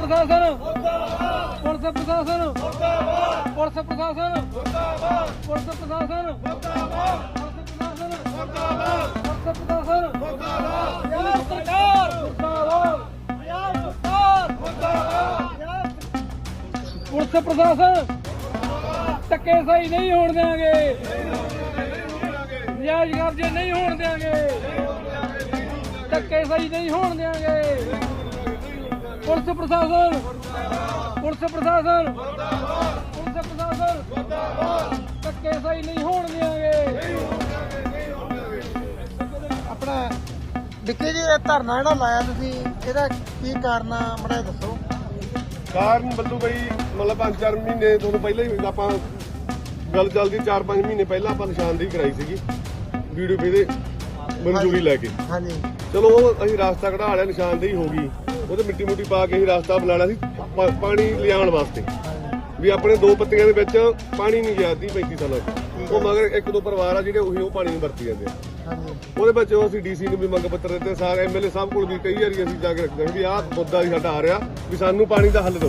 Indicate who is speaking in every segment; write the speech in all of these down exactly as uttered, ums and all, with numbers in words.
Speaker 1: प्रशासन पुलिस प्रशासन पुलिस प्रशासन पुलिस प्रशासन पुलिस प्रशासन सरकार पुलिस प्रशासन धक्के सही नहीं होने देंगे, नजायज कब्जे नहीं होने देंगे, धक्के सही नहीं होने देंगे। पुलिस प्रशासन पुलिस प्रशासन पुलिस प्रशासन धक्के सही नहीं होने देंगे।
Speaker 2: अपना डिक्की जी धरना ਜਿਹੜਾ ਲਾਇਆ ਤੁਸੀਂ ਇਹਦਾ ਕੀ ਕਾਰਨ ਆ ਬੜਾ ਦੱਸੋ।
Speaker 3: ਕਾਰਨ ਬੱਲੂ ਬਈ ਮਤਲਬ ਪੰਜ ਚਾਰ ਮਹੀਨੇ ਤੁਹਾਨੂੰ ਪਹਿਲਾਂ ਹੀ ਆਪਾਂ ਗੱਲ ਚੱਲਦੀ ਚਾਰ ਪੰਜ ਮਹੀਨੇ ਪਹਿਲਾਂ ਆਪਾਂ ਨਿਸ਼ਾਨਦੇਹੀ ਕਰਾਈ ਸੀਗੀ ਵੀਡੀਓ ਪੇ ਦੇ ਮਨਜ਼ੂਰੀ ਲੈ ਕੇ।
Speaker 2: ਹਾਂਜੀ
Speaker 3: ਚਲੋ ਉਹ ਅਸੀਂ ਰਾਸਤਾ ਕਢਾ ਲਿਆ, ਨਿਸ਼ਾਨਦੇਹੀ ਹੋ ਗਈ, ਉਹਦੇ ਮਿੱਟੀ ਮੁੱਟੀ ਪਾ ਕੇ ਅਸੀਂ ਰਾਸਤਾ ਬਣਾਉਣਾ ਸੀ ਪਾਣੀ ਲਿਆਉਣ ਵਾਸਤੇ ਵੀ ਆਪਣੇ ਦੋ ਪੱਤੀਆਂ ਦੇ ਵਿੱਚ ਪਾਣੀ ਨਹੀਂ ਗਿਆ ਤੀਹ ਪੈਂਤੀ ਸਾਲਾਂ ਤੋਂ। ਉਹ ਮਗਰ ਇੱਕ ਦੋ ਪਰਿਵਾਰ ਆ ਜਿਹੜੇ ਉਹੀ ਉਹ ਪਾਣੀ ਨੂੰ ਵਰਤੀ ਜਾਂਦੇ ਆ। ਉਹਦੇ ਵਿੱਚ ਅਸੀਂ ਡੀਸੀ ਨੂੰ ਵੀ ਮੰਗ ਪੱਤਰ ਦਿੱਤੇ, ਸਾਰੇ ਐਮਐਲਏ ਸਾਹਿਬ ਕੋਲ ਵੀ ਕਈ ਵਾਰੀ ਅਸੀਂ ਜਾ ਕੇ ਰੱਖਦੇ ਵੀ ਆਹ ਮੁੱਦਾ ਵੀ ਸਾਡਾ ਆ ਰਿਹਾ ਵੀ ਸਾਨੂੰ ਪਾਣੀ ਦਾ ਹੱਲ ਦਿਓ।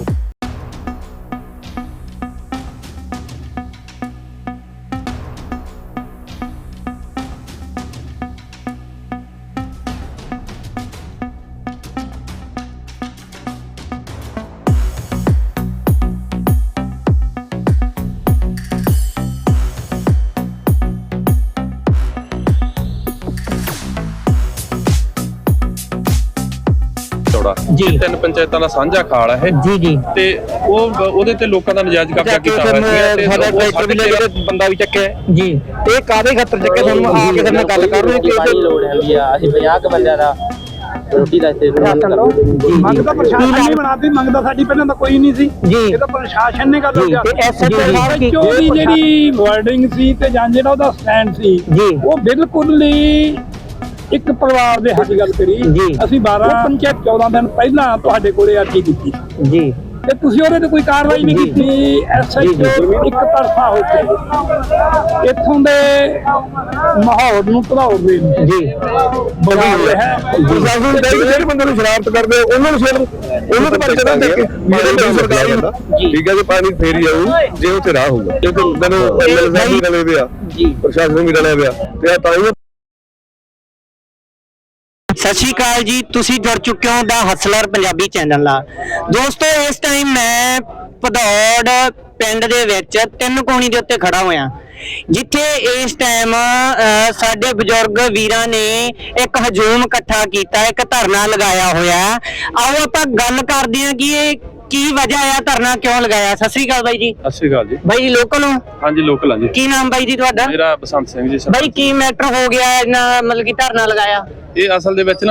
Speaker 4: ਜੀ ਤਿੰਨ ਪੰਚਾਇਤਾਂ ਦਾ ਸਾਂਝਾ ਖਾਲ ਹੈ
Speaker 5: ਜੀ ਜੀ
Speaker 4: ਤੇ ਉਹ ਉਹਦੇ ਤੇ ਲੋਕਾਂ ਦਾ ਨਜਾਇਜ਼ ਕਬਜ਼ਾ ਕੀਤਾ ਹੋਇਆ ਸੀ ਤੇ
Speaker 5: ਸਾਡਾ ਟਰੈਕਟਰ ਵੀ ਲੈ ਕੇ ਬੰਦਾ ਵੀ ਚੱਕਿਆ ਜੀ। ਇਹ ਕਾਦੇ ਖਾਤਰ ਚੱਕਿਆ ਤੁਹਾਨੂੰ ਆ ਕੇ ਸਾਡੇ ਨਾਲ ਗੱਲ ਕਰ ਰਹੇ ਕਿ
Speaker 6: ਪਾਣੀ ਲੋੜ ਹੈਗੀ ਆ। ਅਸੀਂ ਪੰਜਾਹ ਕੁ ਬੰਦਿਆਂ ਦਾ ਰੋਟੀ ਦਾ ਇੱਥੇ
Speaker 7: ਮੰਗ ਤਾਂ ਪ੍ਰਸ਼ਾਸਨ ਨੇ ਬਣਾਤੀ, ਮੰਗ ਤਾਂ ਸਾਡੀ ਪਹਿਲਾਂ ਤਾਂ ਕੋਈ ਨਹੀਂ ਸੀ
Speaker 5: ਜੀ।
Speaker 7: ਇਹ ਤਾਂ ਪ੍ਰਸ਼ਾਸਨ ਨੇ ਗੱਲ
Speaker 5: ਤੇ ਐਸਐਚਓ ਸਾਹਿਬ ਕੀ
Speaker 7: ਉਹਦੀ ਜਿਹੜੀ ਵਾਰਡਿੰਗ ਸੀ ਤੇ ਜਾਂ ਜਿਹੜਾ ਉਹਦਾ ਸਟੈਂਡ ਸੀ
Speaker 5: ਜੀ
Speaker 7: ਉਹ ਬਿਲਕੁਲ ਹੀ ਇੱਕ ਪਰਿਵਾਰ ਦੇ ਹੱਕ ਗੱਲ ਕਰੀ। ਅਸੀਂ ਬਾਰਾਂ ਪੰਚਾਇਤ ਚੌਦਾਂ ਦਿਨ ਪਹਿਲਾਂ ਤੁਹਾਡੇ ਕੋਲੇ ਅਰਜ਼ੀ ਦਿੱਤੀ
Speaker 5: ਜੀ
Speaker 7: ਤੇ ਤੁਸੀਂ ਉਹਦੇ ਤੇ ਕੋਈ ਕਾਰਵਾਈ ਨਹੀਂ ਕੀਤੀ। ਐਸਐਚਓ ਇੱਕ ਤਰਫਾ ਹੋ ਕੇ ਇੱਥੋਂ ਦੇ ਮਾਹੌਲ ਨੂੰ ਭੜਾਉਣ ਦੇ
Speaker 5: ਜੀ
Speaker 7: ਬਣਾ ਰਿਹਾ ਹੈ।
Speaker 3: ਪ੍ਰਸ਼ਾਸਨ ਜਿਹੜੇ ਬੰਦੇ ਨੂੰ ਸ਼ਰਾਰਤ ਕਰਦੇ ਉਹਨਾਂ ਨੂੰ ਸਿਰ ਉਹਨਾਂ ਦੇ ਪਰਚੇ ਦੇ ਕੇ ਮੇਰੇ ਸਰਕਾਰੀ ਹੁੰਦਾ ਠੀਕ ਹੈ ਜੀ, ਪਾਣੀ ਫੇਰ ਹੀ ਆਊ ਜੇ ਉੱਥੇ ਰਾਹ ਹੋਊਗਾ। ਕਿਉਂਕਿ ਮੈਨੂੰ ਐਮਐਲਏ ਸਾਹਿਬ ਵੀ ਰਲੇ ਪਿਆ ਜੀ, ਪ੍ਰਸ਼ਾਸਨ ਵੀ ਰਲਿਆ ਪਿਆ ਤੇ ਆ ਤਾਂ
Speaker 5: ਸਤਿ ਸ਼੍ਰੀ ਅਕਾਲ ਜੀ, ਤੁਸੀਂ ਜੁੜ ਚੁੱਕੇ ਹੋ ਦਾ ਹਸਲਰ ਪੰਜਾਬੀ ਚੈਨਲ ਨਾਲ। ਦੋਸਤੋ ਇਸ ਟਾਈਮ ਮੈਂ ਭਦੌੜ ਪਿੰਡ ਦੇ ਵਿੱਚ ਤਿੰਨ ਕੋਣੀ ਦੇ ਉੱਤੇ ਖੜਾ ਹੋਇਆ, ਜਿੱਥੇ ਇਸ ਟਾਈਮ ਸਾਡੇ ਬਜ਼ੁਰਗ ਵੀਰਾਂ ਨੇ ਇੱਕ ਹਜੂਮ ਇਕੱਠਾ ਕੀਤਾ, ਇੱਕ ਧਰਨਾ ਲਗਾਇਆ ਹੋਇਆ। ਆਓ ਆਪਾਂ ਗੱਲ ਕਰਦੇ ਹਾਂ ਕਿ ਇਹ ਕੀ ਵਜ੍ਹਾ ਆ, ਧਰਨਾ ਕਿਉਂ ਲਗਾਇਆ। ਸਤਿ ਸ਼੍ਰੀ ਅਕਾਲ ਬਾਈ ਜੀ।
Speaker 4: ਸਤਿ ਸ਼੍ਰੀ ਅਕਾਲ ਜੀ।
Speaker 5: ਬਾਈ ਲੋਕਲ ਹੋ?
Speaker 4: ਹਾਂਜੀ ਲੋਕਲ ਹਾਂ ਜੀ।
Speaker 5: ਕੀ ਨਾਮ ਬਾਈ ਜੀ ਤੁਹਾਡਾ?
Speaker 4: ਮੇਰਾ ਬਸੰਤ ਸਿੰਘ ਜੀ।
Speaker 5: ਬਾਈ ਕੀ ਮੈਟਰ ਹੋ ਗਿਆ ਇਹਨਾਂ ਮਤਲਬ ਕਿ ਧਰਨਾ ਲਗਾਇਆ?
Speaker 4: ਇਹ ਅਸਲ ਦੇ ਵਿੱਚ ਨਾ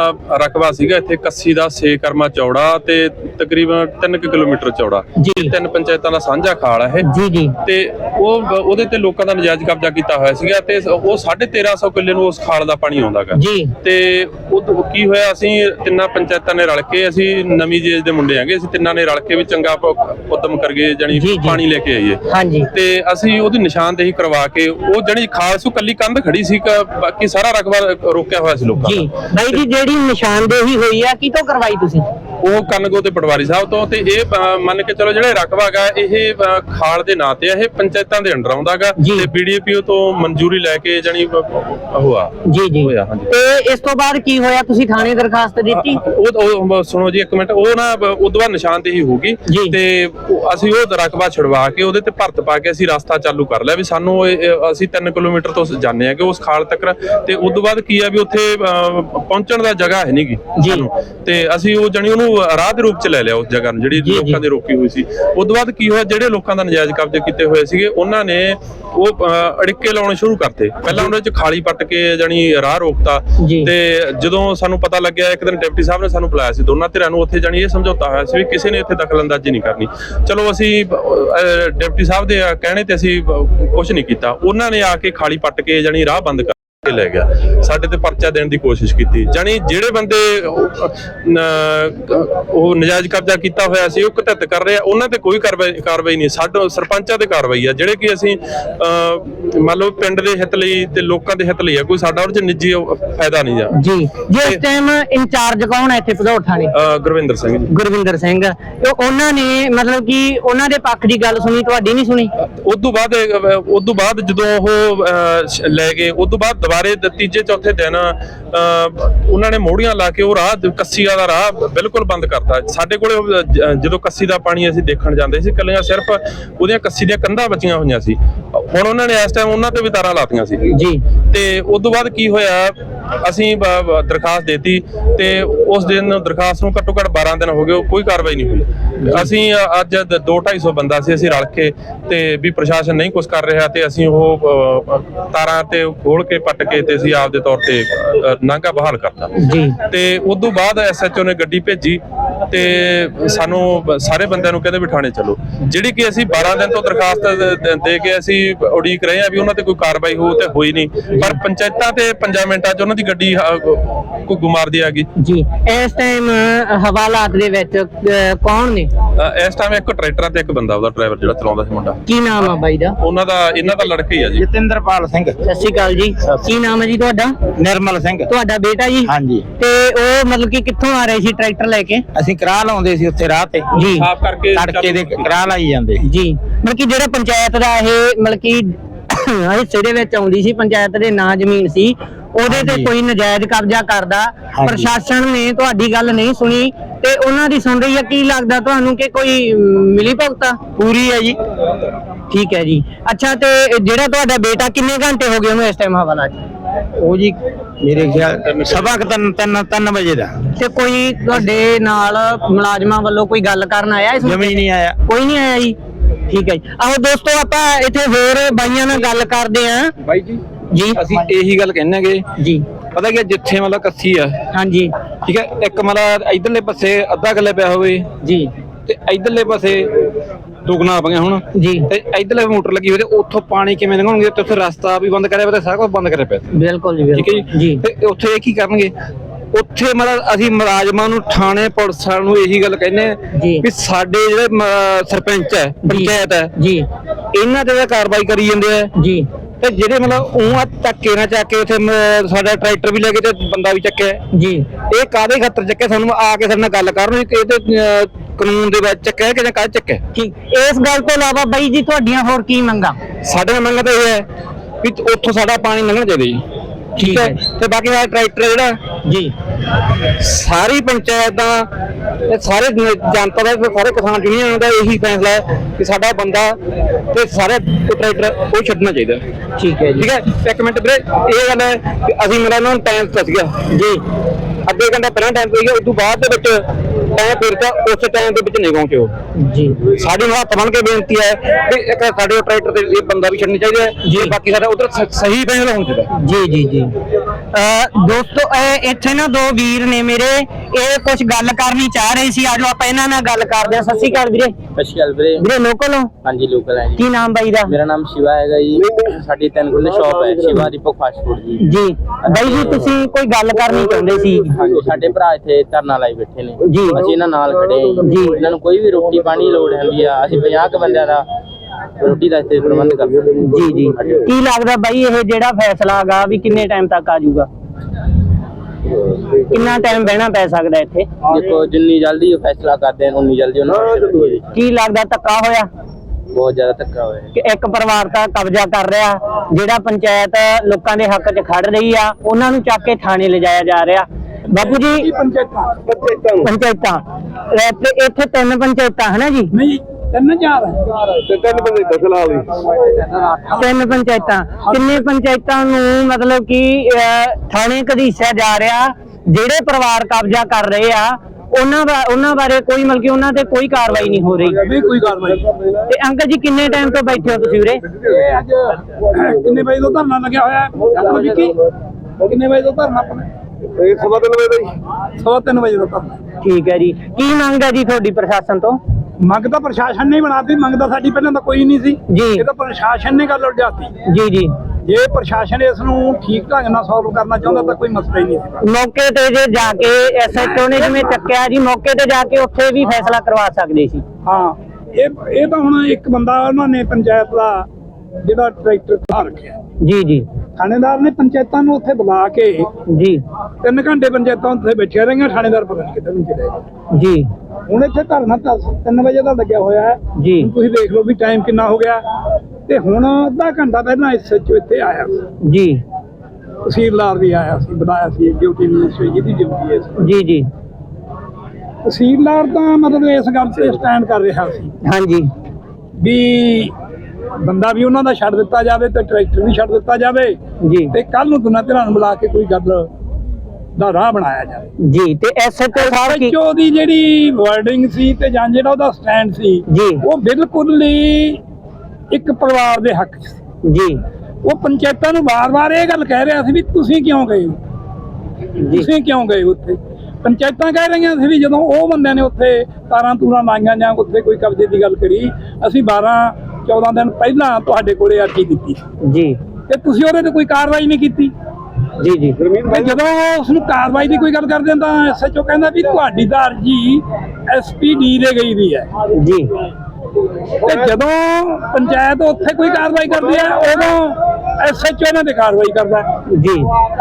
Speaker 4: ਰਕਬਾ ਸੀਗਾ ਇੱਥੇ ਕੱਸੀ ਦਾ ਛੇ ਕਰਮਾ ਚੌੜਾ ਤੇ ਤਕਰੀਬਨ ਤਿੰਨ ਕਿਲੋਮੀਟਰ ਚੌੜਾ
Speaker 5: ਜੀ।
Speaker 4: ਤਿੰਨ ਪੰਚਾਇਤਾਂ ਦਾ ਸਾਂਝਾ ਖਾਲ ਹੈ
Speaker 5: ਜੀ ਜੀ
Speaker 4: ਤੇ ਉਹ ਉਹਦੇ ਤੇ ਲੋਕਾਂ ਦਾ ਨਜਾਇਜ਼ ਕਬਜ਼ਾ ਕੀਤਾ ਹੋਇਆ ਸੀਗਾ ਤੇ ਉਹ ਸਾਢੇ ਤੇਰਾਂ ਸੌ ਕਿੱਲੇ ਨੂੰ ਉਸ ਖਾਲ ਦਾ ਪਾਣੀ ਆਉਂਦਾ ਗਾ
Speaker 5: ਜੀ।
Speaker 4: ਤੇ ਉਹ ਕੀ ਹੋਇਆ, ਅਸੀਂ ਤਿੰਨਾਂ ਪੰਚਾਇਤਾਂ ਨੇ ਰਲ ਕੇ, ਅਸੀਂ ਨਵੀਂ ਜੇਜ ਦੇ ਮੁੰਡੇ ਆਂਗੇ, ਅਸੀਂ ਤਿੰਨਾਂ ਨੇ ਰਲ ਕੇ ਵੀ ਚੰਗਾ ਉਦਮ ਕਰਗੇ ਜਾਨੀ ਪਾਣੀ ਲੈ ਕੇ ਆਈਏ।
Speaker 5: ਹਾਂਜੀ।
Speaker 4: ਤੇ ਅਸੀਂ ਉਹਦੀ ਨਿਸ਼ਾਨਦੇਹੀ ਕਰਵਾ ਕੇ ਉਹ ਜਾਨੀ ਖਾਲ ਸੂ ਕੱਲੀ ਕੰਧ ਖੜੀ ਸੀ, ਬਾਕੀ ਸਾਰਾ ਰਕਬਾ ਰੋਕਿਆ ਹੋਇਆ ਸੀ ਲੋਕਾਂ
Speaker 5: ਜੀ। ਬਾਈ ਜੀ ਜਿਹੜੀ ਨਿਸ਼ਾਨਦੇਹੀ ਹੋਈ ਆ ਕਿਤੋਂ ਕਰਵਾਈ ਤੁਸੀਂ?
Speaker 4: ਉਹ ਕਨਗੋ ਤੇ ਪਟਵਾਰੀ ਸਾਹਿਬ ਤੋਂ। ਤੇ ਇਹ ਮੰਨ ਕੇ ਚਲੋ ਜਿਹੜਾ ਰਕਬਾ ਹੈਗਾ ਇਹ ਖਾਲ ਦੇ ਨਾਂ ਤੇ ਆ, ਇਹ ਪੰਚਾਇਤਾਂ ਦੇ ਅੰਡਰ ਆਉਂਦਾ ਗਾ ਤੇ ਬੀਡੀਪੀਓ ਤੋਂ ਮਨਜ਼ੂਰੀ ਲੈ ਕੇ ਜਾਨੀ ਹੋਆ
Speaker 5: ਜੀ ਜੀ ਹੋਇਆ। ਹਾਂਜੀ। ਤੇ ਇਸ ਤੋਂ ਬਾਅਦ ਕੀ ਹੋਇਆ, ਤੁਸੀਂ ਥਾਣੇ ਦਰਖਾਸਤ ਦਿੱਤੀ?
Speaker 4: ਉਹ ਸੁਣੋ ਜੀ ਇੱਕ ਮਿੰਟ, ਉਹ ਨਾ ਉਦੋਂ ਬਾਅਦ ਨਿਸ਼ਾਨਦੇਹੀ ਹੋ ਗਈ ਤੇ ਅਸੀਂ ਉਹ ਰਕਬਾ ਛੁਡਵਾ ਕੇ ਉਹਦੇ ਤੇ ਭਰਤ ਪਾ ਕੇ ਅਸੀਂ ਰਸਤਾ ਚਾਲੂ ਕਰ ਲਿਆ ਵੀ ਸਾਨੂੰ ਅਸੀਂ ਤਿੰਨ ਕਿਲੋਮੀਟਰ ਤੋਂ ਜਾਂਦੇ ਆਗੇ ਉਸ ਖਾਲ ਤੱਕ। ਤੇ ਉਦੋਂ ਬਾਅਦ ਕੀ ਆ ਵੀ ਉੱਥੇ ਪਹੁੰਚਣ ਦਾ ਜਗ੍ਹਾ ਹੈ ਨੀਗੀ ਸਾਨੂੰ, ਤੇ ਅਸੀਂ ਉਹ ਜਾਨੀ ਉਹਨੂੰ ਰਾਹ ਦੇ ਰੂਪ ਚ ਲੈ ਲਿਆ ਉਸ ਜਗ੍ਹਾ ਨੂੰ ਜਿਹੜੀ ਲੋਕਾਂ ਦੀ ਰੋਕੀ ਹੋਈ ਸੀ। ਉਦੋਂ ਬਾਅਦ ਕੀ ਹੋਇਆ, ਜਿਹੜੇ ਲੋਕਾਂ ਦਾ ਨਜਾਇਜ਼ ਕਬਜ਼ੇ ਕੀਤੇ ਹੋਏ ਸੀਗੇ ਉਹਨਾਂ ਨੇ ਉਹ ਅੜਿੱਕੇ ਲਾਉਣੇ ਸ਼ੁਰੂ ਕਰਤੇ। ਪਹਿਲਾਂ ਉਹਨਾਂ ਚ ਖਾਲੀ ਪੱਟ ਕੇ ਜਾਨੀ ਰਾਹ ਰੋਕਤਾ ਤੇ ਜਦੋਂ ਸਾਨੂੰ ਪਤਾ ਲੱਗਿਆ, ਇੱਕ ਦਿਨ ਡਿਪਟੀ ਸਾਹਿਬ ਨੇ ਸਾਨੂੰ ਬੁਲਾਇਆ ਸੀ, ਦੋਨਾਂ ਧਿਰਾਂ ਨੂੰ ਉੱਥੇ ਜਾਨੀ ਇਹ ਸਮਝੌਤਾ ਹੋਇਆ ਸੀ ਵੀ ਕਿਸੇ ਨੇ ਇੱਥੇ ਦਖਲਅੰਦਾਜ਼ੀ ਨਹੀਂ ਕਰਨੀ। ਚਲੋ ਅਸੀਂ ਡਿਪਟੀ ਸਾਹਿਬ ਦੇ ਕਹਿਣੇ ਤੇ ਅਸੀਂ ਕੁਝ ਨਹੀਂ ਕੀਤਾ, ਉਹਨਾਂ ਨੇ ਆ ਕੇ ਖਾਲੀ ਪੱਟ ਕੇ ਜਾਨੀ ਰਾਹ ਬੰਦ ਕਰ ਕੇ ਲੈ ਗਿਆ, ਸਾਡੇ ਤੇ ਪਰਚਾ ਦੇਣ ਦੀ ਕੋਸ਼ਿਸ਼ ਕੀਤੀ। ਜਾਣੀ ਜਿਹੜੇ ਬੰਦੇ ਉਹ ਨਜਾਇਜ਼ ਕਬਜ਼ਾ ਕੀਤਾ ਹੋਇਆ ਸੀ ਉਹ ਘਟਿਤ ਕਰ ਰਹੇ ਆ, ਉਹਨਾਂ ਤੇ ਕੋਈ ਕਾਰਵਾਈ ਕਾਰਵਾਈ ਨਹੀਂ। ਸਾਡੇ ਸਰਪੰਚਾਂ ਤੇ ਕਾਰਵਾਈ ਆ ਜਿਹੜੇ ਕਿ ਅਸੀਂ ਮੰਨ ਲਓ ਪਿੰਡ ਦੇ ਹਿੱਤ ਲਈ ਤੇ ਲੋਕਾਂ ਦੇ ਹਿੱਤ ਲਈ ਆ, ਕੋਈ ਸਾਡਾ ਉਹਦੇ ਚ ਨਿੱਜੀ ਫਾਇਦਾ ਨਹੀਂ ਆ
Speaker 5: ਜੀ। ਜੀ ਇਸ ਟਾਈਮ ਇੰਚਾਰਜ ਕੌਣ ਹੈ ਇੱਥੇ ਭਦੌੜ ਥਾਣੇ?
Speaker 4: ਗੁਰਵਿੰਦਰ ਸਿੰਘ ਜੀ।
Speaker 5: ਗੁਰਵਿੰਦਰ ਸਿੰਘ, ਉਹਨਾਂ ਨੇ ਮਤਲਬ ਕਿ ਉਹਨਾਂ ਦੇ ਪੱਖ ਦੀ ਗੱਲ ਸੁਣੀ, ਤੁਹਾਡੀ ਨਹੀਂ ਸੁਣੀ?
Speaker 4: ਉਦੋਂ ਬਾਅਦ ਉਦੋਂ ਬਾਅਦ ਜਦੋਂ ਉਹ ਲੈ ਗਏ, ਉਦੋਂ ਬਾਅਦ ਦੁਬਾਰੇ ਤੀਜੇ ਚੌਥੇ ਦਿਨ ਉਹਨਾਂ ਨੇ ਮੋੜੀਆਂ ਲਾ ਕੇ ਉਹ ਰਾਹ ਕੱਸੀ ਦਾ ਰਾਹ ਬਿਲਕੁਲ ਬੰਦ ਕਰਤਾ। ਸਾਡੇ ਕੋਲੇ ਜਦੋਂ ਕੱਸੀ ਦਾ ਪਾਣੀ ਅਸੀਂ ਦੇਖਣ ਜਾਂਦੇ ਸੀ, ਕੱਲੀਆਂ ਸਿਰਫ ਉਹਦੀਆਂ ਕੱਸੀ ਦੀਆਂ ਕੰਧਾਂ ਬਚੀਆਂ ਹੋਈਆਂ ਸੀ। ਹੁਣ ਉਹਨਾਂ ਨੇ ਇਸ ਟਾਈਮ ਉਹਨਾਂ ਤੇ ਵੀ ਤਾਰਾਂ ਲਾਤੀਆਂ ਸੀ ਜੀ। ਤੇ ਉਦੋਂ ਬਾਅਦ ਕੀ ਹੋਇਆ, ਅਸੀਂ ਦਰਖਾਸਤ ਦੇਤੀ ਤੇ ਉਸ ਦਿਨ ਦਰਖਾਸਤ ਨੂੰ ਘੱਟੋ ਘੱਟ ਬਾਰਾਂ ਦਿਨ ਹੋ ਗਏ, ਕੋਈ ਕਾਰਵਾਈ ਨਹੀਂ ਹੋਈ। ਅਸੀਂ ਅੱਜ ਦੋ ਢਾਈ ਸੌ ਬੰਦਾ ਸੀ, ਅਸੀਂ ਰਲ ਕੇ ਤੇ ਵੀ ਪ੍ਰਸ਼ਾਸਨ ਨਹੀਂ ਕੁਝ ਕਰ ਰਿਹਾ ਤੇ ਅਸੀਂ ਉਹ ਤਾਰਾਂ ਤੇ ਖੋਲ ਕੇ ਪੱਟ ਕੇ ਤੇ ਅਸੀਂ ਆਪਦੇ ਤੌਰ ਤੇ ਨਾਂਗਾ ਬਹਾਲ ਕਰਤਾ ਜੀ। ਤੇ ਉਦੋਂ ਬਾਅਦ ਐਸ ਐਚ ਓ ਨੇ ਗੱਡੀ ਭੇਜੀ ਤੇ ਸਾਨੂੰ ਸਾਰੇ ਬੰਦਿਆਂ ਨੂੰ ਕਹਿੰਦੇ ਵੀ ਥਾਣੇ ਚਲੋ, ਜਿਹੜੀ ਕਿ ਅਸੀਂ ਬਾਰਾਂ ਦਿਨ ਤੋਂ ਦਰਖਾਸਤ ਦੇ ਕੇ ਅਸੀਂ ਉਡੀਕ ਰਹੇ ਆ ਵੀ ਉਹਨਾਂ ਤੇ ਕੋਈ ਕਾਰਵਾਈ ਹੋ, ਤੇ ਹੋਈ ਨਹੀਂ। ਪਰ ਪੰਚਾਇਤਾਂ ਤੇ ਪੰਜਾਂ ਮਿੰਟਾਂ 'ਚ ਉਹਨਾਂ ਦੀ ਗੱਡੀ ਕੋਈ ਗੁਮਾਰਦੀ ਆ ਗਈ ਜੀ।
Speaker 5: ਇਸ ਟਾਈਮ ਹਵਾਲਾਤ ਦੇ ਵਿੱਚ ਕੌਣ ਨੇ
Speaker 4: ਇਸ ਟਾਈਮ? ਇੱਕ ਟਰੈਕਟਰ ਤੇ ਇੱਕ ਬੰਦਾ, ਉਹਦਾ ਡਰਾਈਵਰ ਜਿਹੜਾ ਚਲਾਉਂਦਾ ਸੀ ਮੁੰਡਾ।
Speaker 5: ਕੀ ਨਾਮ ਆ ਬਾਈ ਦਾ?
Speaker 4: ਉਹਨਾਂ ਦਾ ਇਹਨਾਂ ਦਾ ਲੜਕਾ ਹੀ ਆ ਜੀ,
Speaker 8: ਜਤਿੰਦਰਪਾਲ ਸਿੰਘ।
Speaker 5: ਸਤਿ ਸ਼੍ਰੀ ਅਕਾਲ ਜੀ। ਕੀ ਨਾਮ ਹੈ ਜੀ ਤੁਹਾਡਾ?
Speaker 8: ਨਿਰਮਲ ਸਿੰਘ।
Speaker 5: ਤੁਹਾਡਾ ਬੇਟਾ ਜੀ?
Speaker 8: ਹਾਂਜੀ।
Speaker 5: ਤੇ ਉਹ ਮਤਲਬ ਕਿ ਕਿੱਥੋਂ ਆ ਰਹੇ ਸੀ ਟਰੈਕਟਰ ਲੈ ਕੇ?
Speaker 8: ਅਸੀਂ ਕਰਾ ਲਾਉਂਦੇ ਸੀ ਉੱਥੇ ਰਾਹ ਤੇ
Speaker 5: ਜੀ,
Speaker 4: ਸਾਫ਼ ਕਰਕੇ
Speaker 8: ਤੜਕੇ ਦੇ ਕਰਾ ਲਾਈ ਜਾਂਦੇ
Speaker 5: ਜੀ। ਮਤਲਬ ਕਿ ਜਿਹੜਾ ਪੰਚਾਇਤ ਦਾ ਇਹ ਮਤਲਬ ਕਿ ਹਿੱਸੇ ਦੇ ਵਿੱਚ ਆਉਂਦੀ ਸੀ, ਪੰਚਾਇਤ ਦੇ ਨਾਂ ਜ਼ਮੀਨ ਸੀ, ਉਹਦੇ ਤੇ ਕੋਈ ਨਜਾਇਜ਼ ਕਬਜ਼ਾ ਕਰਦਾ, ਪ੍ਰਸ਼ਾਸਨ ਨੇ ਤੁਹਾਡੀ ਗੱਲ ਨਹੀਂ ਸੁਣੀ ਤੇ ਉਹਨਾਂ ਦੀ ਸੁਣ ਰਹੀ ਹੈ। ਕੀ ਲੱਗਦਾ ਤੁਹਾਨੂੰ ਕਿ ਕੋਈ ਮਿਲੀ ਭੁਗਤਾ
Speaker 8: ਪੂਰੀ ਹੈ ਜੀ?
Speaker 5: ਠੀਕ ਹੈ ਜੀ। ਅੱਛਾ, ਤੇ ਜਿਹੜਾ ਤੁਹਾਡਾ ਬੇਟਾ ਕਿੰਨੇ ਘੰਟੇ ਹੋ ਗਏ ਉਹਨੂੰ ਇਸ ਟਾਈਮ ਹਵਾਲਾ 'ਚ?
Speaker 8: ਉਹ ਜੀ ਮੇਰੇ ਖਿਆਲ ਸਵਾ ਕੁ ਤਿੰਨ ਤਿੰਨ ਤਿੰਨ ਵਜੇ ਦਾ।
Speaker 5: ਤੇ ਕੋਈ ਤੁਹਾਡੇ ਨਾਲ ਮੁਲਾਜ਼ਮਾਂ ਵੱਲੋਂ ਕੋਈ ਗੱਲ ਕਰਨ ਆਇਆ ਇਸ
Speaker 8: ਜਮੀ ਨਹੀਂ ਆਇਆ?
Speaker 5: ਕੋਈ ਨਹੀਂ ਆਇਆ ਜੀ। ਠੀਕ ਹੈ ਜੀ। ਆਹੋ ਦੋਸਤੋ, ਆਪਾਂ ਇੱਥੇ ਹੋਰ ਬਾਈਆਂ ਨਾਲ ਗੱਲ ਕਰਦੇ ਆਂ।
Speaker 9: ਬਾਈ ਜੀ
Speaker 5: ਜੀ
Speaker 9: ਅਸੀਂ ਇਹੀ ਗੱਲ ਕਹਿੰਨੇਗੇ
Speaker 5: ਜੀ,
Speaker 9: ਪਤਾ ਕੀ ਜਿੱਥੇ ਮਤਲਬ ਕੱਸੀ ਆ,
Speaker 5: ਹਾਂਜੀ
Speaker 9: ਠੀਕ ਹੈ, ਇੱਕ ਮਤਲਬ ਇਧਰਲੇ ਪਾਸੇ ਅੱਧਾ ਕਿੱਲੇ ਪਿਆ ਹੋਵੇ
Speaker 5: ਜੀ
Speaker 9: ਤੇ ਇਧਰਲੇ ਪਾਸੇ ਦੁਗਣਾ ਪਈਆਂ ਹੁਣ
Speaker 5: ਜੀ,
Speaker 9: ਤੇ ਇਧਰਲੇ ਮੋਟਰ ਲੱਗੀ ਹੋਈ ਤੇ ਉੱਥੋਂ ਪਾਣੀ ਕਿਵੇਂ ਲੰਘਾਉਣਗੇ? ਤੇ ਉੱਥੇ ਰਸਤਾ ਵੀ ਬੰਦ ਕਰਿਆ ਪਿਆ ਤੇ ਸਾਰਾ ਕੁਝ ਬੰਦ ਕਰਿਆ ਪਿਆ।
Speaker 5: ਬਿਲਕੁਲ ਜੀ,
Speaker 9: ਠੀਕ ਹੈ ਜੀ। ਤੇ ਉੱਥੇ ਇਹ ਕੀ ਕਰਨਗੇ? ਉੱਥੇ ਮਤਲਬ ਅਸੀਂ ਮੁਲਾਜ਼ਮਾਂ ਨੂੰ, ਥਾਣੇ ਪੁਲਿਸ ਨੂੰ ਇਹੀ ਗੱਲ ਕਹਿੰਦੇ ਵੀ ਸਾਡੇ ਜਿਹੜੇ ਸਰਪੰਚ ਹੈ, ਪੰਚਾਇਤ ਹੈ
Speaker 5: ਜੀ,
Speaker 9: ਇਹਨਾਂ ਤੇ ਕਾਰਵਾਈ ਕਰੀ ਜਾਂਦੇ ਆ ਜੀ। ਤੇ ਜਿਹੜੇ ਮਤਲਬ ਉਹ ਧੱਕੇ ਨਾ ਚੱਕ ਕੇ ਉੱਥੇ ਸਾਡਾ ਟਰੈਕਟਰ ਵੀ ਲੈ ਕੇ ਤੇ ਬੰਦਾ ਵੀ ਚੱਕਿਆ ਜੀ, ਇਹ ਕਾਹਦੇ ਖਾਤਰ ਚੱਕਿਆ? ਸਾਨੂੰ ਆ ਕੇ ਸਾਡੇ ਨਾਲ ਗੱਲ ਕਰਨ ਕਿ ਇਹਦੇ ਕਾਨੂੰਨ ਦੇ ਵਿੱਚ ਚੱਕਿਆ ਕਿ ਜਾਂ ਕਾਹਦੇ ਚੱਕਿਆ?
Speaker 5: ਠੀਕ। ਇਸ ਗੱਲ ਤੋਂ ਇਲਾਵਾ ਬਾਈ ਜੀ ਤੁਹਾਡੀਆਂ ਹੋਰ ਕੀ ਮੰਗਾਂ?
Speaker 9: ਸਾਡੀਆਂ ਮੰਗਾਂ ਤਾਂ ਇਹ ਹੈ ਵੀ ਉੱਥੋਂ ਸਾਡਾ ਪਾਣੀ ਲੰਘਣਾ ਚਾਹੀਦਾ ਜੀ, ਠੀਕ ਹੈ। ਤੇ ਬਾਕੀ ਸਾਡਾ ਟਰੈਕਟਰ ਜਿਹੜਾ ਜੀ, ਸਾਰੀ ਪੰਚਾਇਤ ਦਾ, ਸਾਰੇ ਜਨਤਾ ਦਾ, ਸਾਰੇ ਕਿਸਾਨ ਯੂਨੀਅਨ ਦਾ ਇਹੀ ਫੈਸਲਾ ਹੈ ਕਿ ਸਾਡਾ ਬੰਦਾ ਤੇ ਸਾਰੇ ਟਰੈਕਟਰ ਉਹ ਛੱਡਣਾ ਚਾਹੀਦਾ।
Speaker 5: ਠੀਕ ਹੈ ਜੀ।
Speaker 9: ਠੀਕ ਹੈ। ਇੱਕ ਮਿੰਟ ਵੀਰੇ, ਇਹ ਗੱਲ ਹੈ ਕਿ ਅਸੀਂ ਮੇਰਾ ਉਹਨਾਂ ਨੂੰ ਟਾਈਮ ਦਿੱਤਾ ਸੀਗਾ ਜੀ, ਅੱਧੇ ਘੰਟਾ ਪਹਿਲਾਂ ਟਾਈਮ ਸੀਗਾ, ਉਸ ਤੋਂ ਬਾਅਦ ਦੇ ਵਿੱਚ ਟਾਈਮ ਫਿਰ ਤਾਂ ਉਸ ਟਾਈਮ ਦੇ ਵਿੱਚ ਨਹੀਂ ਪਹੁੰਚੇ ਉਹ ਜੀ। ਸਾਡੀ ਹੱਥ ਬੰਨ ਕੇ ਬੇਨਤੀ ਹੈ ਕਿ ਇੱਕ ਸਾਡੇ ਟਰੈਕਟਰ ਤੇ ਇਹ ਬੰਦਾ ਵੀ ਛੱਡਣੀ ਚਾਹੀਦਾ ਹੈ ਜੀ, ਬਾਕੀ ਸਾਡਾ ਉਧਰ ਸਹੀ ਫੈਸਲਾ ਹੋਣਾ ਚਾਹੀਦਾ
Speaker 5: ਜੀ ਜੀ ਜੀ। ਦੋਸਤੋ, ਇੱਥੇ ਨਾ ਦੋ ਵੀਰ ਨੇ ਮੇਰੇ, ਇਹ ਕੁਝ ਗੱਲ ਕਰਨੀ ਚਾਹ ਰਹੇ ਸੀ, ਆਜੋ ਆਪਾਂ ਇਹਨਾਂ ਨਾਲ ਗੱਲ ਕਰਦੇ ਹਾਂ। ਸਤਿ ਸ਼੍ਰੀ ਅਕਾਲ ਵੀਰੇ।
Speaker 6: ਸਤਿ ਸ਼੍ਰੀ ਅਕਾਲ ਵੀਰੇ।
Speaker 5: ਵੀਰੇ ਲੋਕਲ ਹੋ?
Speaker 6: ਹਾਂਜੀ ਲੋਕਲ ਹੈ ਜੀ।
Speaker 5: ਕੀ ਨਾਮ ਬਾਈ ਦਾ?
Speaker 6: ਮੇਰਾ ਨਾਮ ਸ਼ਿਵਾ ਹੈਗਾ ਜੀ, ਸਾਡੀ ਤਿੰਨ ਗੁੱਲੇ ਸ਼ਾਪ ਹੈ, ਸ਼ਿਵਾ ਦੀਪਕ ਫਾਸਟ ਫੂਡ ਜੀ।
Speaker 5: ਜੀ ਬਾਈ ਜੀ, ਤੁਸੀਂ ਕੋਈ ਗੱਲ ਕਰਨੀ ਚਾਹੁੰਦੇ ਸੀ?
Speaker 6: ਹਾਂਜੀ, ਸਾਡੇ ਭਰਾ ਇੱਥੇ ਧਰਨਾ ਲਾਈ ਬੈਠੇ ਨੇ
Speaker 5: ਜੀ,
Speaker 6: ਅਸੀਂ ਇਹਨਾਂ ਨਾਲ ਖੜੇ ਜੀ। ਇਹਨਾਂ ਨੂੰ ਕੋਈ ਵੀ ਰੋਟੀ ਪਾਣੀ ਦੀ ਲੋੜ ਹੁੰਦੀ ਆ, ਅਸੀਂ ਪੰਜਾਹ ਕੁ ਬੰਦਿਆਂ ਦਾ ਰੋਟੀ ਦਾ ਇੱਥੇ ਪ੍ਰਬੰਧ ਕਰਦੇ
Speaker 5: ਜੀ ਜੀ। ਕੀ ਲੱਗਦਾ ਬਾਈ ਇਹ ਜਿਹੜਾ ਫੈਸਲਾ ਹੈਗਾ ਵੀ ਕਿੰਨੇ ਟਾਈਮ ਤੱਕ ਆ ਜਾਊਗਾ? ਕਿੰਨਾ ਟਾਈਮ ਬਹਿਣਾ ਪੈ ਸਕਦਾ ਇੱਥੇ?
Speaker 6: ਦੇਖੋ, ਜਿੰਨੀ ਜਲਦੀ ਉਹ ਫੈਸਲਾ ਕਰਦੇ ਉਨੀ ਜਲਦੀ ਉਹਨਾਂ ਨੂੰ।
Speaker 5: ਕੀ ਲੱਗਦਾ ਧੱਕਾ ਹੋਇਆ?
Speaker 6: ਬਹੁਤ ਜ਼ਿਆਦਾ ਧੱਕਾ ਹੋਇਆ
Speaker 5: ਕਿ ਇੱਕ ਪਰਿਵਾਰ ਤਾਂ ਕਬਜ਼ਾ ਕਰ ਰਿਹਾ, ਜਿਹੜਾ ਪੰਚਾਇਤ ਲੋਕਾਂ ਦੇ ਹੱਕ 'ਚ ਖੜ ਰਹੀ ਆ, ਉਹਨਾਂ ਨੂੰ ਚੱਕ ਕੇ ਥਾਣੇ ਲਿਜਾਇਆ ਜਾ ਰਿਹਾ। ਬਾਪੂ ਜੀ, ਪੰਚਾਇਤਾਂ ਪੰਚਾਇਤਾਂ ਤੇ ਇੱਥੇ ਤਿੰਨ ਪੰਚਾਇਤਾਂ ਹੈ ਨਾ ਜੀ?
Speaker 7: ਨਹੀਂ, ਤਿੰਨ ਚਾਰ
Speaker 3: ਤੇ ਤਿੰਨ ਬੰਦੇ ਦਖਲ ਆ ਗਈ।
Speaker 5: ਤਿੰਨ ਪੰਚਾਇਤਾਂ। ਕਿੰਨੇ ਪੰਚਾਇਤਾਂ ਨੂੰ ਮਤਲਬ ਕਿ ਥਾਣੇ ਘੜੀਸਿਆ ਜਾ ਰਿਹਾ? ਜਿਹੜੇ ਪਰਿਵਾਰ ਕਬਜ਼ਾ ਕਰ ਰਹੇ ਆ ਉਹਨਾਂ ਦਾ, ਉਹਨਾਂ ਬਾਰੇ ਕੋਈ ਮਤਲਬ ਕਿ ਉਹਨਾਂ ਤੇ ਕੋਈ ਕਾਰਵਾਈ ਨਹੀਂ ਹੋ ਰਹੀ?
Speaker 7: ਨਹੀਂ ਕੋਈ ਕਾਰਵਾਈ।
Speaker 5: ਤੇ ਅੰਕਲ ਜੀ, ਕਿੰਨੇ ਟਾਈਮ ਤੋਂ ਬੈਠੇ ਹੋ ਤੁਸੀਂ ਵੀਰੇ?
Speaker 7: ਇਹ ਅੱਜ ਕਿੰਨੇ ਵਜੇ ਤੋਂ ਧਰਨਾ ਲੱਗਿਆ ਹੋਇਆ ਹੈ ਵਿੱਕੀ? ਕਿੰਨੇ ਵਜੇ ਤੋਂ ਧਰਨਾ ਆਪਣੇ?
Speaker 3: ਇਹ ਸਵਾ ਤਿੰਨ ਵਜੇ ਦਾ ਜੀ।
Speaker 7: ਸਵਾ ਤਿੰਨ ਵਜੇ ਤੋਂ ਧਰਨਾ।
Speaker 5: ਠੀਕ ਹੈ ਜੀ। ਕੀ ਮੰਗ ਹੈ ਜੀ ਤੁਹਾਡੀ ਪ੍ਰਸ਼ਾਸਨ ਤੋਂ?
Speaker 7: ਮੰਗ ਤਾਂ ਪ੍ਰਸ਼ਾਸਨ ਨੇ ਬਣਾਤੀ, ਮੰਗ ਤਾਂ ਸਾਡੀ ਪਹਿਲਾਂ ਤਾਂ ਕੋਈ ਨਹੀਂ ਸੀ
Speaker 5: ਜੀ।
Speaker 7: ਇਹ ਤਾਂ ਪ੍ਰਸ਼ਾਸਨ ਨੇ ਗੱਲ ਉਲਝਾਤੀ
Speaker 5: ਜੀ ਜੀ
Speaker 7: ਜੇ ਪ੍ਰਸ਼ਾਸਨ ਇਸ ਨੂੰ ਠੀਕ ਢੰਗ ਨਾਲ ਸੋਲਵ ਕਰਨਾ ਚਾਹੁੰਦਾ ਤਾਂ ਕੋਈ ਮਸਲਾ ਹੀ ਨਹੀਂ ਸੀ।
Speaker 5: ਮੌਕੇ ਤੇ ਜੇ ਜਾ ਕੇ ਐਸਐਚਓ ਨੇ ਜਿਵੇਂ ਚੱਕਿਆ ਜੀ, ਮੌਕੇ ਤੇ ਜਾ ਕੇ ਉੱਥੇ ਵੀ ਫੈਸਲਾ ਕਰਵਾ ਸਕਦੇ ਸੀ।
Speaker 7: ਹਾਂ, ਇਹ ਇਹ ਤਾਂ ਹੁਣ ਇੱਕ ਬੰਦਾ ਉਹਨਾਂ ਨੇ ਪੰਚਾਇਤ ਦਾ ਜਿਹੜਾ ਟਰੈਕਟਰ ਖੜਾ ਰੱਖਿਆ
Speaker 5: ਜੀ ਜੀ
Speaker 7: ਥਾਣੇਦਾਰ ਨੇ ਪੰਚਾਇਤਾਂ ਨੂੰ ਉੱਥੇ ਬੁਲਾ ਕੇ
Speaker 5: ਜੀ
Speaker 7: ਤਿੰਨ ਘੰਟੇ ਪੰਚਾਇਤਾਂ ਉੱਥੇ ਬੈਠੀਆਂ ਰਹੀਆਂ, ਥਾਣੇਦਾਰ ਪਤਾ ਨਹੀਂ ਕਿੱਧਰ ਨੂੰ ਚਲੇ ਗਏ।
Speaker 5: ਜੀ
Speaker 7: ਹੁਣ ਇੱਥੇ ਧਰਨਾ ਤਾਂ ਤਿੰਨ ਵਜੇ ਦਾ ਲੱਗਿਆ ਹੋਇਆ ਹੈ
Speaker 5: ਜੀ।
Speaker 7: ਹੁਣ ਤੁਸੀਂ ਦੇਖ ਲਓ ਵੀ ਟਾਈਮ ਕਿੰਨਾ ਹੋ ਗਿਆ, ਤੇ ਹੁਣ ਅੱਧਾ ਘੰਟਾ ਪਹਿਲਾਂ ਐਸਐਚਓ ਇੱਥੇ ਆਇਆ ਸੀ,
Speaker 5: ਜੀ
Speaker 7: ਤਹਿਸੀਲਦਾਰ ਵੀ ਆਇਆ ਸੀ, ਬਣਾਇਆ ਸੀ ਡਿਊਟੀ ਮਿਨਿਸਟਰੀ ਜਿਹਦੀ ਡਿਊਟੀ ਹੈ।
Speaker 5: ਜੀ ਜੀ
Speaker 7: ਤਹਿਸੀਲਦਾਰ ਤਾਂ ਮਤਲਬ ਇਸ ਗੱਲ ਤੇ ਸਟੈਂਡ ਕਰ ਰਿਹਾ ਸੀ
Speaker 5: ਹਾਂਜੀ
Speaker 7: ਵੀ ਬੰਦਾ ਵੀ ਉਹਨਾਂ ਦਾ ਛੱਡ ਦਿੱਤਾ ਜਾਵੇ ਤੇ ਟਰੈਕਟਰ ਵੀ ਛੱਡ ਦਿੱਤਾ ਜਾਵੇ
Speaker 5: ਜੀ
Speaker 7: ਤੇ ਕੱਲ ਨੂੰ ਦੋਨਾਂ ਧਿਰਾਂ ਨੂੰ ਮਿਲਾ ਕੇ ਕੋਈ ਗੱਲ ਦਾ ਰਾਹ ਬਣਾਇਆ ਜਾਵੇ
Speaker 5: ਜੀ। ਤੇ ਐਸਐਚਓ ਸਾਹਿਬ ਕੀ
Speaker 7: ਐਸਐਚਓ ਦੀ ਜਿਹੜੀ ਵਰਡਿੰਗ ਸੀ ਤੇ ਜਾਂ ਜਿਹੜਾ ਉਹਦਾ ਸਟੈਂਡ ਸੀ
Speaker 5: ਜੀ
Speaker 7: ਉਹ ਬਿਲਕੁਲ ਹੀ ਇੱਕ ਪਰਿਵਾਰ ਦੇ ਹੱਕ 'ਚ ਸੀ।
Speaker 5: ਜੀ
Speaker 7: ਉਹ ਪੰਚਾਇਤਾਂ ਨੂੰ ਵਾਰ-ਵਾਰ ਇਹ ਗੱਲ ਕਹਿ ਰਿਹਾ ਸੀ ਵੀ ਤੁਸੀਂ ਕਿਉਂ ਗਏ ਹੋ, ਤੁਸੀਂ ਕਿਉਂ ਗਏ ਉੱਥੇ। ਪੰਚਾਇਤਾਂ ਕਹਿ ਰਹੀਆਂ ਸੀ ਵੀ ਜਦੋਂ ਉਹ ਬੰਦਿਆਂ ਨੇ ਉੱਥੇ ਤਾਰਾਂ ਤੂਰਾਂ ਲਾਈਆਂ ਜਾਂ ਉੱਥੇ ਕੋਈ ਕਬਜ਼ੇ ਦੀ ਗੱਲ ਕਰੀ, ਅਸੀਂ ਬਾਰਾਂ ਚੌਦਾਂ ਦਿਨ ਪਹਿਲਾਂ ਤੁਹਾਡੇ ਕੋਲੇ ਅਰਜ਼ੀ ਦਿੱਤੀ
Speaker 5: ਜੀ
Speaker 7: ਤੇ ਤੁਸੀਂ ਉਹਦੇ ਤੇ ਕੋਈ ਕਾਰਵਾਈ ਨਹੀਂ ਕੀਤੀ।
Speaker 5: ਜੀ ਜੀ
Speaker 7: ਤੇ ਜਦੋਂ ਉਸ ਨੂੰ ਕਾਰਵਾਈ ਦੀ ਕੋਈ ਗੱਲ ਕਰਦੇ ਤਾਂ ਐਸਐਚਓ ਕਹਿੰਦਾ ਵੀ ਤੁਹਾਡੀ ਤਾਂ ਅਰਜ਼ੀ ਐਸਪੀਡੀ ਦੇ ਗਈ ਦੀ ਹੈ
Speaker 5: ਜੀ
Speaker 7: ਤੇ ਜਦੋਂ ਪੰਚਾਇਤ ਉੱਥੇ ਕੋਈ ਕਾਰਵਾਈ ਕਰਦੀ ਹੈ ਉਦੋਂ ਐਸਐਚਓ ਇਹਨਾਂ ਤੇ ਕਾਰਵਾਈ ਕਰਦਾ
Speaker 5: ਜੀ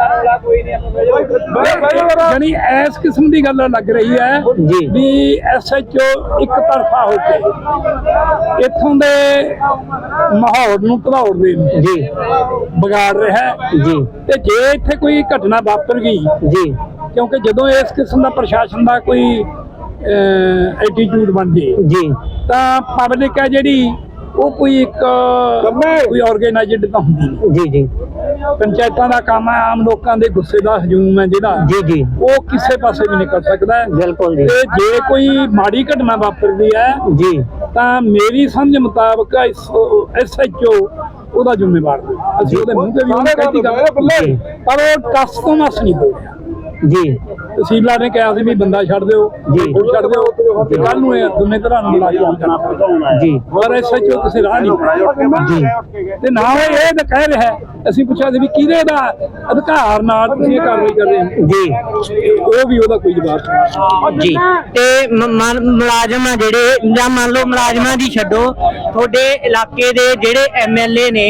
Speaker 7: ਯਾਨੀ ਇਸ ਕਿਸਮ ਦੀ ਗੱਲ ਲੱਗ ਰਹੀ ਹੈ
Speaker 5: ਜੀ।
Speaker 7: ਵੀ ਐਸਐਚਓ ਇੱਕ ਤਰਫਾ ਹੋ ਕੇ ਇੱਥੋਂ ਦੇ ਮਾਹੌਲ ਨੂੰ ਘੜਾਉਣ ਦੇ
Speaker 5: ਜੀ
Speaker 7: ਵਿਗਾੜ ਰਿਹਾ ਹੈ
Speaker 5: ਜੀ
Speaker 7: ਤੇ ਜੇ ਇੱਥੇ ਕੋਈ ਘਟਨਾ ਵਾਪਰ ਗਈ,
Speaker 5: ਜੀ
Speaker 7: ਕਿਉਂਕਿ ਜਦੋਂ ਇਸ ਕਿਸਮ ਦਾ ਪ੍ਰਸ਼ਾਸਨ ਦਾ ਕੋਈ ਐਟੀਟਿਊਡ ਬਣ ਜੇ
Speaker 5: ਜੀ
Speaker 7: ਤਾਂ ਪਬਲਿਕ ਹੈ ਜਿਹੜੀ ਉਹ ਕੋਈ ਇੱਕ ਕੋਈ ਆਰਗੇਨਾਈਜ਼ਡ ਤਾਂ ਹੁੰਦੀ ਨਹੀਂ।
Speaker 5: ਜੀ ਜੀ
Speaker 7: ਪੰਚਾਇਤਾਂ ਦਾ ਕੰਮ ਹੈ ਆਮ ਲੋਕਾਂ ਦੇ ਗੁੱਸੇ ਦਾ ਹਜੂਮ ਹੈ ਜਿਹੜਾ
Speaker 5: ਜੀ ਜੀ
Speaker 7: ਉਹ ਕਿਸੇ ਪਾਸੇ ਵੀ ਨਿਕਲ ਸਕਦਾ ਹੈ।
Speaker 5: ਬਿਲਕੁਲ ਜੀ
Speaker 7: ਤੇ ਜੇ ਕੋਈ ਮਾੜੀ ਘਟਨਾ ਵਾਪਰਦੀ ਹੈ
Speaker 5: ਜੀ
Speaker 7: ਤਾਂ ਮੇਰੀ ਸਮਝ ਮੁਤਾਬਕ ਐਸਐਚਓ ਉਹਦਾ ਜ਼ਿੰਮੇਵਾਰ ਹੈ। ਅਸੀਂ ਉਹਦੇ ਮੂੰਹ ਤੇ ਵੀ ਉਹਨੇ ਕਹਿਤੀ ਗੱਲ, ਪਰ ਉਹ ਟਸ ਤੋਂ ਮਸ ਨਹੀਂ ਹੋ ਰਿਹਾ
Speaker 5: ਜੀ।
Speaker 7: ਤਹਿਸੀਲਦਾਰ ਨੇ ਕਿਹਾ ਸੀ ਵੀ ਬੰਦਾ ਛੱਡ ਦਿਓ
Speaker 5: ਜੀ।
Speaker 7: ਉਹ ਛੱਡ ਦਿਓ ਤੇ ਕੱਲ ਨੂੰ ਇਹ ਦੋਨੇ ਤਰ੍ਹਾਂ ਨੂੰ ਮਿਲਾ ਕੇ
Speaker 5: ਜੀ
Speaker 7: ਪਰ ਐਸਐਚਓ ਕਿਸੇ ਰਾਹ ਨਹੀਂ
Speaker 5: ਜੀ
Speaker 7: ਤੇ ਨਾ ਉਹ ਇਹ ਤਾਂ ਕਹਿ ਰਿਹਾ ਹੈ। ਅਸੀਂ ਪੁੱਛਿਆ ਸੀ ਵੀ ਕਿਹਦੇ ਦਾ ਅਧਿਕਾਰ ਨਾਲ ਤੁਸੀਂ ਇਹ ਕਾਰਵਾਈ ਕਰ ਰਹੇ ਹੋ
Speaker 5: ਜੀ
Speaker 7: ਉਹ ਵੀ ਉਹਦਾ ਕੋਈ ਜਵਾਬ ਨਹੀਂ।
Speaker 5: ਜੀ। ਤੇ ਮ- ਮ- ਮੁਲਾਜ਼ਮ ਆ ਜਿਹੜੇ ਜਾਂ ਮੰਨ ਲਓ ਮੁਲਾਜ਼ਮਾਂ ਦੀ ਛੱਡੋ, ਤੁਹਾਡੇ ਇਲਾਕੇ ਦੇ ਜਿਹੜੇ ਐਮਐਲਏ ਨੇ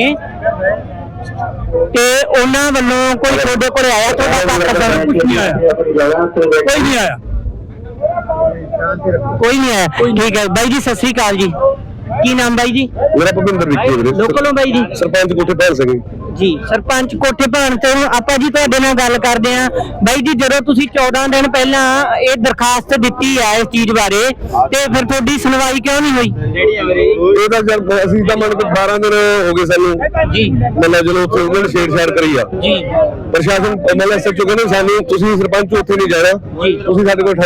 Speaker 5: ਤੇ ਉਹਨਾਂ ਵੱਲੋਂ ਕੋਈ ਤੁਹਾਡੇ ਕੋਲ ਆਇਆ, ਤੁਹਾਡਾ ਪੱਖ ਦਾ
Speaker 7: ਕੁਝ ਨਹੀਂ ਆਇਆ, ਕੋਈ ਨਹੀਂ ਆਇਆ।
Speaker 5: ਕੋਈ ਨਹੀਂ ਆਇਆ। ਠੀਕ ਹੈ ਬਾਈ ਜੀ, ਸਤਿ ਸ੍ਰੀ ਅਕਾਲ ਜੀ। ਕੀ ਨਾਮ ਬਾਈ ਜੀ?
Speaker 3: ਮੇਰਾ ਭੁਪਿੰਦਰ ਵਿੱਕੀ ਵੀਰੇ,
Speaker 5: ਲੋਕਲੋਂ ਬਾਈ ਜੀ?
Speaker 3: ਸਰਪੰਚ ਕੋਠੇ ਭੈਣ ਸਿੰਘ
Speaker 5: ਜੀ। ਸਰਪੰਚ ਕੋਠੇ ਭਾਣ ਤੇ ਹੁਣ ਆਪਾਂ ਜੀ ਤੁਹਾਡੇ ਨਾਲ ਗੱਲ ਕਰਦੇ ਆਂ ਬਾਈ ਜੀ। ਜਦੋਂ ਤੁਸੀਂ ਚੌਦਾਂ ਦਿਨ ਪਹਿਲਾਂ ਇਹ ਦਰਖਾਸਤ ਦਿੱਤੀ ਆ ਇਸ ਚੀਜ਼ ਬਾਰੇ, ਤੇ ਫਿਰ ਤੁਹਾਡੀ ਸੁਣਵਾਈ ਕਿਉਂ ਨਹੀਂ ਹੋਈ?
Speaker 3: ਇਹ ਤਾਂ ਜਦ ਅਸੀਂ ਤਾਂ ਮੰਨ ਕੇ ਬਾਰਾਂ ਦਿਨ ਹੋ ਗਏ ਸਾਨੂੰ
Speaker 5: ਜੀ
Speaker 3: ਮਤਲਬ ਜਦੋਂ ਉੱਥੇ ਉਹਨਾਂ ਨੇ ਛੇੜਛਾੜ ਕਰੀ ਆ
Speaker 5: ਜੀ
Speaker 3: ਪ੍ਰਸ਼ਾਸਨ ਮਤਲਬ ਐਸਐਚਓ ਕਹਿੰਦੇ ਸਾਨੂੰ ਤੁਸੀਂ ਸਰਪੰਚ ਉੱਥੇ ਨਹੀਂ ਜਾਣਾ, ਤੁਸੀਂ ਸਾਡੇ ਕੋਲ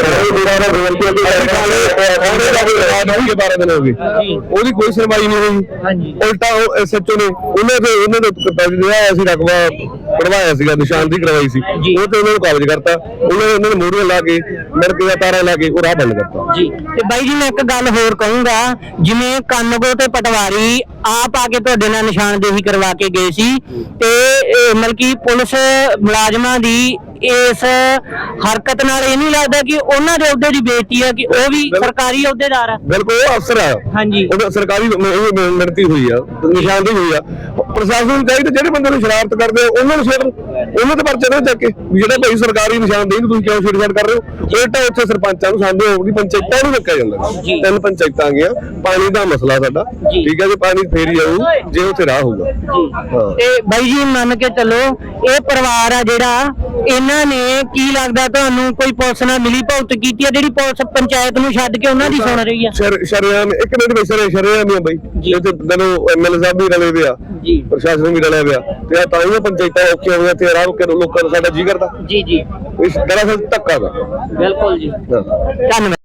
Speaker 3: ਠਹਿਰੋ। ਬਾਰਾਂ ਦਿਨ ਹੋ ਗਏ, ਉਹਦੀ ਕੋਈ ਸੁਣਵਾਈ ਨਹੀਂ ਹੋਈ।
Speaker 5: ਹਾਂਜੀ।
Speaker 3: ਉਲਟਾ ਉਹ ਐਸਐਚਓ ਨੇ ਉਹਨਾਂ ਦੇ ਉਹਨਾਂ ਦੇ ਜਿਹੜਾ ਅਸੀਂ ਰਕਬਾ ਕਢਵਾਇਆ ਸੀਗਾ, ਨਿਸ਼ਾਨਦੇਹੀ ਕਰਵਾਈ ਸੀ, ਉਹ ਤੇ ਉਹਨਾਂ ਨੂੰ ਕਾਬਜ਼ ਕਰਤਾ। ਉਹਨਾਂ ਨੇ ਉਹਨਾਂ ਨੇ ਮੋਹਰੀਆਂ ਲਾ ਕੇ ਮੜਕੇ ਦਾ ਤਾਰਾਂ ਲਾ ਕੇ ਉਹ ਰਾਹ ਬੰਦ ਕਰਤਾ
Speaker 5: ਜੀ। ਤੇ ਬਾਈ ਜੀ ਮੈਂ ਇੱਕ ਗੱਲ ਹੋਰ ਕਹੂੰਗਾ, ਜਿਵੇਂ ਕਾਨੂੰਗੋ ਤੇ ਪਟਵਾਰੀ ਆਪ ਆ ਕੇ ਤੁਹਾਡੇ ਨਾਲ ਨਿਸ਼ਾਨਦੇਹੀ ਕਰਵਾ ਕੇ ਗਏ ਸੀ, ਤੇ ਇਹ ਮਤਲਬ ਕਿ ਪੁਲਿਸ ਮੁਲਾਜ਼ਮਾਂ ਦੀ ਇਸ ਹਰਕਤ ਨਾਲ ਇਹ ਨਹੀਂ ਲੱਗਦਾ ਕਿ ਉਹਨਾਂ ਦੇ ਅਹੁਦੇ ਦੀ ਬੇਇੱਜ਼ਤੀ ਹੈ ਕਿ ਉਹ ਵੀ ਸਰਕਾਰੀ ਅਹੁਦੇਦਾਰ ਆ?
Speaker 3: ਬਿਲਕੁਲ ਉਹ ਅਫਸਰ ਆ,
Speaker 5: ਹਾਂਜੀ।
Speaker 3: ਉਹ ਸਰਕਾਰੀ ਮਿਹਨਤੀ ਹੋਈ ਆ, ਨਿਸ਼ਾਨਦੇਹੀ ਹੋਈ ਆ। ਪ੍ਰਸ਼ਾਸਨ ਨੂੰ ਚਾਹੀਦਾ ਜਿਹੜੇ ਬੰਦੇ ਨੂੰ ਸ਼ਰਾਰਤ ਕਰਦੇ ਉਹਨਾਂ ਨੂੰ ਛੇੜਨ, ਉਹਨਾਂ ਦੇ ਪਰਚੇ ਨਾ ਚੱਕ ਕੇ ਵੀ ਜਿਹੜਾ ਭਾਈ ਸਰਕਾਰੀ ਨਿਸ਼ਾਨਦੇਹੀ ਨੂੰ ਤੁਸੀਂ ਕਿਉਂ ਛੇੜਛਾੜ ਕਰ ਰਹੇ ਹੋ। ਉਲਟਾ ਉੱਥੇ ਸਰਪੰਚਾਂ ਨੂੰ ਸਾਡੇ ਹੋਊਗੀ, ਪੰਚਾਇਤਾਂ ਨੂੰ ਰੱਖਿਆ ਜਾਂਦਾ। ਤਿੰਨ ਪੰਚਾਇਤਾਂ ਆ ਗਈਆਂ, ਪਾਣੀ ਦਾ ਮਸਲਾ ਸਾਡਾ ਠੀਕ ਹੈ ਜੀ, ਪਾਣੀ ਫੇਰ ਹੀ ਆਊ ਜੇ ਉੱਥੇ ਰਾਹ ਹੋਊਗਾ।
Speaker 5: ਤੇ ਬਾਈ ਜੀ ਮੰਨ ਕੇ ਚੱਲੋ ਇਹ ਪਰਿਵਾਰ ਆ ਜਿਹੜਾ, ਇਹਨਾਂ ਨੇ ਕੀ ਲੱਗਦਾ ਤੁਹਾਨੂੰ ਕੋਈ ਪੁਲਿਸ ਨਾਲ ਮਿਲੀ ਭੁਗਤ ਕੀਤੀ ਹੈ ਜਿਹੜੀ ਪੁਲਿਸ ਪੰਚਾਇਤ ਨੂੰ ਛੱਡ ਕੇ ਉਹਨਾਂ ਦੀ ਸੁਣ ਰਹੀ ਆ?
Speaker 3: ਸ਼ਰਿਆਮ ਇੱਕ ਮਿੰਟ ਵਿੱਚ ਸ਼ਰਿਆਮ ਹੀ ਆ ਬਈ, ਇੱਥੇ ਦਿਨੋਂ ਐਮਐਲਏ ਸਾਹਿਬ ਵੀ ਰਲੇ ਵੇ ਆ, ਪ੍ਰਸ਼ਾਸਨ ਵੀ ਰਲਿਆ ਪਿਆ, ਤੇ ਤਾਂ ਹੀ ਪੰਚਾਇਤਾਂ ਔਖੀਆਂ ਹੋਈਆਂ ਤੇ ਰਾਹ ਕੇ ਲੋਕਾਂ ਦਾ ਸਾਡਾ ਜੀ ਕਰਦਾ।
Speaker 5: ਜੀ ਜੀ
Speaker 3: ਇਸ ਦਰਅਸਲ ਧੱਕਾ ਦਾ।
Speaker 5: ਬਿਲਕੁਲ ਜੀ, ਧੰਨਵਾਦ।